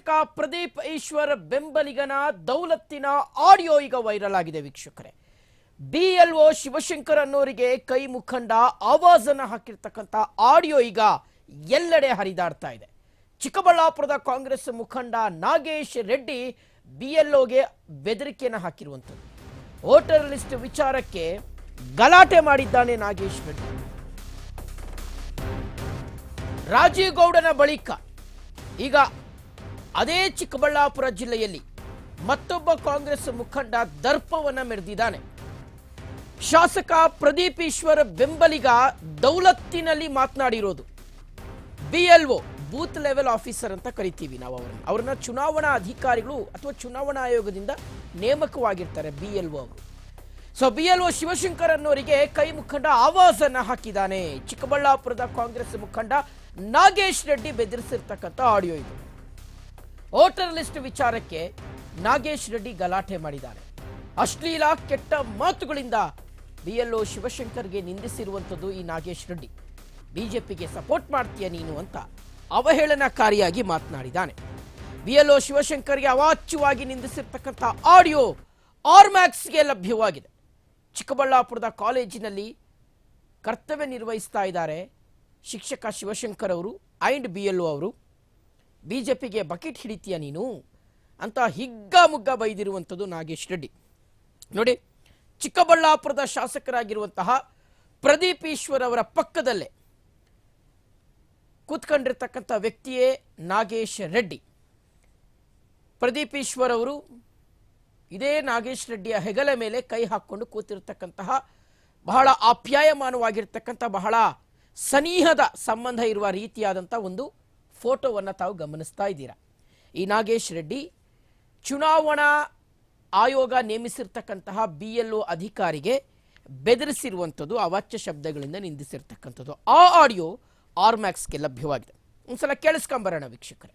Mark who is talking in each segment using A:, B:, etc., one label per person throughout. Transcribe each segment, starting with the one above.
A: ಶಾಸಕ ಪ್ರದೀಪ್ ಈಶ್ವರ್ ಬೆಂಬಲಿಗನ ದೌಲತ್ತಿನ ಆಡಿಯೋ ಈಗ ವೈರಲ್ ಆಗಿದೆ ವೀಕ್ಷಕರೇ. ಬಿಎಲ್ಒ ಶಿವಶಂಕರ್ ಅನ್ನೋರಿಗೆ ಕೈ ಮುಖಂಡ ಆವಾಜನ್ನು ಹಾಕಿರ್ತಕ್ಕಂಥ ಆಡಿಯೋ ಈಗ ಎಲ್ಲೆಡೆ ಹರಿದಾಡ್ತಾ ಇದೆ. ಚಿಕ್ಕಬಳ್ಳಾಪುರದ ಕಾಂಗ್ರೆಸ್ ಮುಖಂಡ ನಾಗೇಶ್ ರೆಡ್ಡಿ ಬಿಎಲ್ಒಗೆ ಬೆದರಿಕೆಯನ್ನು ಹಾಕಿರುವಂಥದ್ದು. ವೋಟರ್ ಲಿಸ್ಟ್ ವಿಚಾರಕ್ಕೆ ಗಲಾಟೆ ಮಾಡಿದ್ದಾನೆ ನಾಗೇಶ್ ರೆಡ್ಡಿ. ರಾಜೀವ್ ಗೌಡನ ಬಳಿಕ ಈಗ ಅದೇ ಚಿಕ್ಕಬಳ್ಳಾಪುರ ಜಿಲ್ಲೆಯಲ್ಲಿ ಮತ್ತೊಬ್ಬ ಕಾಂಗ್ರೆಸ್ ಮುಖಂಡ ದರ್ಪವನ್ನ ಮೆರೆದಿದ್ದಾನೆ. ಶಾಸಕ ಪ್ರದೀಪ್ ಈಶ್ವರ್ ಬೆಂಬಲಿಗ ದೌಲತ್ತಿನಲ್ಲಿ ಮಾತನಾಡಿರೋದು. ಬಿಎಲ್ಒ ಬೂತ್ ಲೆವೆಲ್ ಆಫೀಸರ್ ಅಂತ ಕರಿತೀವಿ ನಾವು ಅವ್ರನ್ನ ಚುನಾವಣಾ ಅಧಿಕಾರಿಗಳು ಅಥವಾ ಚುನಾವಣಾ ಆಯೋಗದಿಂದ ನೇಮಕವಾಗಿರ್ತಾರೆ ಬಿಎಲ್ಒ ಅವರು. ಸೊ ಬಿಎಲ್ಒ ಶಿವಶಂಕರ್ ಅನ್ನೋರಿಗೆ ಕೈ ಮುಖಂಡ ಆವಾಜನ್ನ ಹಾಕಿದ್ದಾನೆ. ಚಿಕ್ಕಬಳ್ಳಾಪುರದ ಕಾಂಗ್ರೆಸ್ ಮುಖಂಡ ನಾಗೇಶ್ ರೆಡ್ಡಿ ಬೆದರಿಸಿರ್ತಕ್ಕಂಥ ಆಡಿಯೋ ಇದು. ವೋಟರ್ ಲಿಸ್ಟ್ ವಿಚಾರಕ್ಕೆ ನಾಗೇಶ್ ರೆಡ್ಡಿ ಗಲಾಟೆ ಮಾಡಿದ್ದಾರೆ. ಅಶ್ಲೀಲ ಕೆಟ್ಟ ಮಾತುಗಳಿಂದ ಬಿಎಲ್ಒ ಶಿವಶಂಕರ್ಗೆ ನಿಂದಿಸಿರುವಂಥದ್ದು ಈ ನಾಗೇಶ್ ರೆಡ್ಡಿ. ಬಿಜೆಪಿಗೆ ಸಪೋರ್ಟ್ ಮಾಡ್ತೀಯ ನೀನು ಅಂತ ಅವಹೇಳನಕಾರಿಯಾಗಿ ಮಾತನಾಡಿದ್ದಾನೆ. ಬಿಎಲ್ಒ ಶಿವಶಂಕರ್ಗೆ ಅವಾಚ್ಯವಾಗಿ ನಿಂದಿಸಿರ್ತಕ್ಕಂಥ ಆಡಿಯೋ ಆರ್ಮ್ಯಾಕ್ಸ್ಗೆ ಲಭ್ಯವಾಗಿದೆ. ಚಿಕ್ಕಬಳ್ಳಾಪುರದ ಕಾಲೇಜಿನಲ್ಲಿ ಕರ್ತವ್ಯ ನಿರ್ವಹಿಸ್ತಾ ಇದ್ದಾರೆ ಶಿಕ್ಷಕ ಶಿವಶಂಕರ್ ಅವರು ಅಂಡ್ ಬಿಎಲ್ಒ ಅವರು. ಬಿಜೆಪಿಗೆ ಬಕೆಟ್ ಹಿಡಿತೀಯ ನೀನು ಅಂತ ಹಿಗ್ಗಾಮುಗ್ಗ ಬೈದಿರುವಂಥದ್ದು ನಾಗೇಶ್ ರೆಡ್ಡಿ. ನೋಡಿ, ಚಿಕ್ಕಬಳ್ಳಾಪುರದ ಶಾಸಕರಾಗಿರುವಂತಹ ಪ್ರದೀಪ್ ಈಶ್ವರ್ ಅವರ ಪಕ್ಕದಲ್ಲೇ ಕೂತ್ಕೊಂಡಿರ್ತಕ್ಕಂಥ ವ್ಯಕ್ತಿಯೇ ನಾಗೇಶ್ ರೆಡ್ಡಿ. ಪ್ರದೀಪ್ ಈಶ್ವರ್ ಅವರು ಇದೇ ನಾಗೇಶ್ ರೆಡ್ಡಿಯ ಹೆಗಲ ಮೇಲೆ ಕೈ ಹಾಕ್ಕೊಂಡು ಕೂತಿರ್ತಕ್ಕಂತಹ ಬಹಳ ಆಪ್ಯಾಯಮಾನವಾಗಿರ್ತಕ್ಕಂಥ ಬಹಳ ಸನಿಹದ ಸಂಬಂಧ ಇರುವ ರೀತಿಯಾದಂಥ ಒಂದು ಫೋಟೋವನ್ನು ತಾವು ಗಮನಿಸ್ತಾ ಇದ್ದೀರಾ. ಈ ನಾಗೇಶ್ ರೆಡ್ಡಿ ಚುನಾವಣಾ ಆಯೋಗ ನೇಮಿಸಿರ್ತಕ್ಕಂತಹ ಬಿಎಲ್ಒ ಅಧಿಕಾರಿಗೆ ಬೆದರಿಸಿರುವಂಥದ್ದು, ಅವಾಚ್ಯ ಶಬ್ದಗಳಿಂದ ನಿಂದಿಸಿರ್ತಕ್ಕಂಥದ್ದು. ಆ ಆಡಿಯೋ ಆರ್ಮ್ಯಾಕ್ಸ್ಗೆ ಲಭ್ಯವಾಗಿದೆ. ಒಂದ್ಸಲ ಕೇಳಿಸ್ಕೊಂಬರೋಣ ವೀಕ್ಷಕರೇ.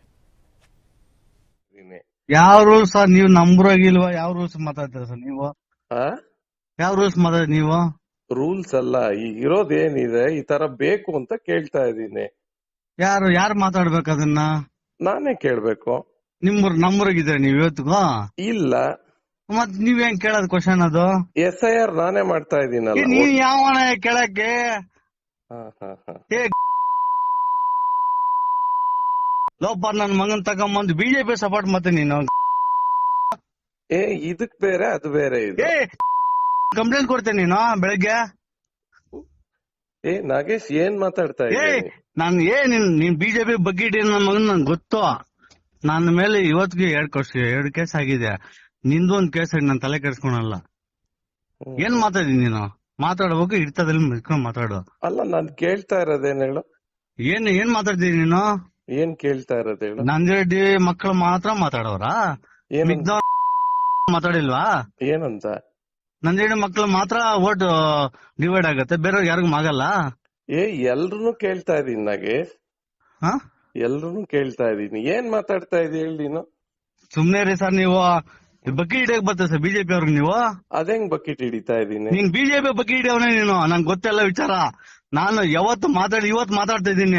B: ಯಾವ ರೂಲ್ಸ್ ಸರ್ ನೀವು ನಂಬರಾಗಿಲ್ವಾ? ಯಾವ ರೂಲ್ಸ್ ಮಾತಾಡ್ತೀರಾ ಸರ್ ನೀವು? ಯಾವ ರೂಲ್ಸ್ ಮಾತಾಡಿ ನೀವು?
C: ರೂಲ್ಸ್ ಅಲ್ಲ, ಈಗ ಇರೋದೇನಿದೆ ಈ ತರ ಬೇಕು ಅಂತ ಕೇಳ್ತಾ ಇದ್ದೀನಿ.
B: ಯಾರು ಮಾತಾಡ್ಬೇಕು ಅದನ್ನ?
C: ನಾನೇ ಕೇಳ್ಬೇಕು.
B: ನಂಬರಾಗಿದ್ರೆ ನೀವ್ ಇವತ್ತಿಗೂ
C: ಇಲ್ಲ.
B: ಮತ್ ನೀವ್ ಹೆಂಗ್ ಕೇಳೋದ್ ಕ್ವಶನ್? ಅದು
C: SIR ನಾನೇ ಮಾಡ್ತಾ ಇದೀನಲ್ಲ.
B: ನೀವ್ ಯಾವನ ಕೇಳಕ್ಕೆ? ಲೋಪ ನನ್ ಮಗನ್ ತಗೊಂಬಂದು ಬಿಜೆಪಿ ಸಪೋರ್ಟ್ ಮತ್ತೆ ನೀನು
C: ಇದಕ್ ಬೇರೆ ಅದು ಬೇರೆ ಇದೆ.
B: ಕಂಪ್ಲೇಂಟ್ ಕೊಡ್ತೇನೆ ನೀನು ಬೆಳಗ್ಗೆ.
C: ನಾಗೇಶ್ ಏನ್ ಮಾತಾಡ್ತಾ ಇದ್ದೀನಿ?
B: ನೀನ್ ಬಿಜೆಪಿ ಬಗ್ಗೆ ನನ್ ಮಗನ್ ನನ್ ಗೊತ್ತು. ನನ್ನ ಮೇಲೆ ಇವತ್ತಿಗೆ 2 ಕೇಸ್ ಆಗಿದೆ. ನಿಂದು ಒಂದ್ ಕೇಸ್ ಆಗಿ ನಾನು ತಲೆ ಕೆಡ್ಸ್ಕೊಳಲ್ಲ. ಏನ್ ಮಾತಾಡಿ ನೀನು? ಮಾತಾಡ್ಬೇಕು, ಇರ್ತದಲ್ಲಿ ಮಿಸ್ಕೊಂಡ್ ಮಾತಾಡು.
C: ಅಲ್ಲ, ನಾನ್ ಕೇಳ್ತಾ ಇರೋದೇನ್ ಹೇಳು?
B: ಏನ್ ಮಾತಾಡ್ತೀನಿ ನೀನು?
C: ಏನ್ ಕೇಳ್ತಾ ಇರೋದು ಹೇಳು?
B: ನಂದಿರೆಡ್ಡಿ ಮಕ್ಕಳು ಮಾತ್ರ ಮಾತಾಡೋರ? ಮಾತಾಡಿಲ್ವಾ?
C: ಏನಂತ?
B: ನಂದಿರೆಡ್ಡಿ ಮಕ್ಕಳು ಮಾತ್ರ ವೋಟ್ ಡಿವೈಡ್ ಆಗತ್ತೆ, ಬೇರೆಯವ್ರಿಗೆ ಯಾರಿಗೂ ಆಗಲ್ಲ.
C: ಎಲ್ರು ಕೇಳ್ತಾ ಇದೀನಿ ನಾಗೇಶ್, ಎಲ್ರು ಕೇಳ್ತಾ ಇದೀನಿ. ಏನ್ ಮಾತಾಡ್ತಾ ಇದೀನಿ ಹೇಳಿ ನೀನು?
B: ಸುಮ್ನೆ ರೀ ಸರ್, ನೀವು ಬಕೆಟ್ ಹಿಡಿಯಕ್ ಬರ್ತದೆ ಸರ್ ಬಿಜೆಪಿ ಅವ್ರಿಗೆ. ನೀವು
C: ಅದೇಂಗ್ ಬಕೆಟ್ ಹಿಡಿತಾ ಇದೀನಿ?
B: ನೀನ್ ಬಿಜೆಪಿ ಬಕೆಟ್ ಹಿಡಿಯವನೇ ನೀನು. ನಂಗೆ ಗೊತ್ತೆಲ್ಲ ವಿಚಾರ. ನಾನು ಇವತ್ತು ಮಾತಾಡ್ತಾ ಇದ್ದೀನಿ.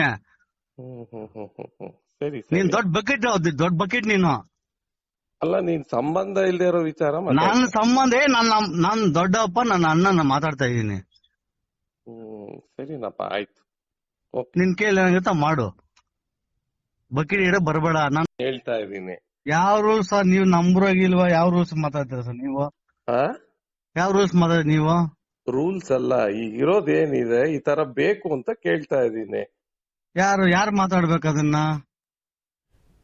C: ಸರಿ,
B: ನೀನ್ ದೊಡ್ಡ ಬಕೆಟ್ ನೀನು.
C: ಅಲ್ಲ, ನೀನ್ ಸಂಬಂಧ ಇಲ್ದೇ ಇರೋ ವಿಚಾರ.
B: ನನ್ನ ಸಂಬಂಧ ನಾನ್ ದೊಡ್ಡಪ್ಪ, ನನ್ನ ಅಣ್ಣನ ಮಾತಾಡ್ತಾ ಇದ್ದೀನಿ.
C: ಸರಿನಪ್ಪ, ಆಯ್ತು.
B: ನಿನ್ ಕೇಳಿ ಏನಾಗುತ್ತ ಮಾಡು, ಬಕೆಟ್ ಹಿಡ ಬರ್ಬೇಡ. ನಾನು
C: ಹೇಳ್ತಾ ಇದ್ದೀನಿ.
B: ಯಾವ ರೂಲ್ಸ್ ಸರ್ ನೀವು ನಂಬರಾಗಿಲ್ವಾ? ಯಾವ ರೂಲ್ಸ್ ಮಾತಾಡ್ತೀರಾ ಸರ್ ನೀವು? ಯಾವ ರೂಲ್ಸ್ ಮಾತಾಡಿ ನೀವು?
C: ರೂಲ್ಸ್ ಅಲ್ಲ, ಈಗ ಇರೋದೇನಿದೆ ಈ ತರ ಬೇಕು ಅಂತ ಕೇಳ್ತಾ ಇದ್ದೀನಿ.
B: ಯಾರು ಮಾತಾಡ್ಬೇಕು ಅದನ್ನ?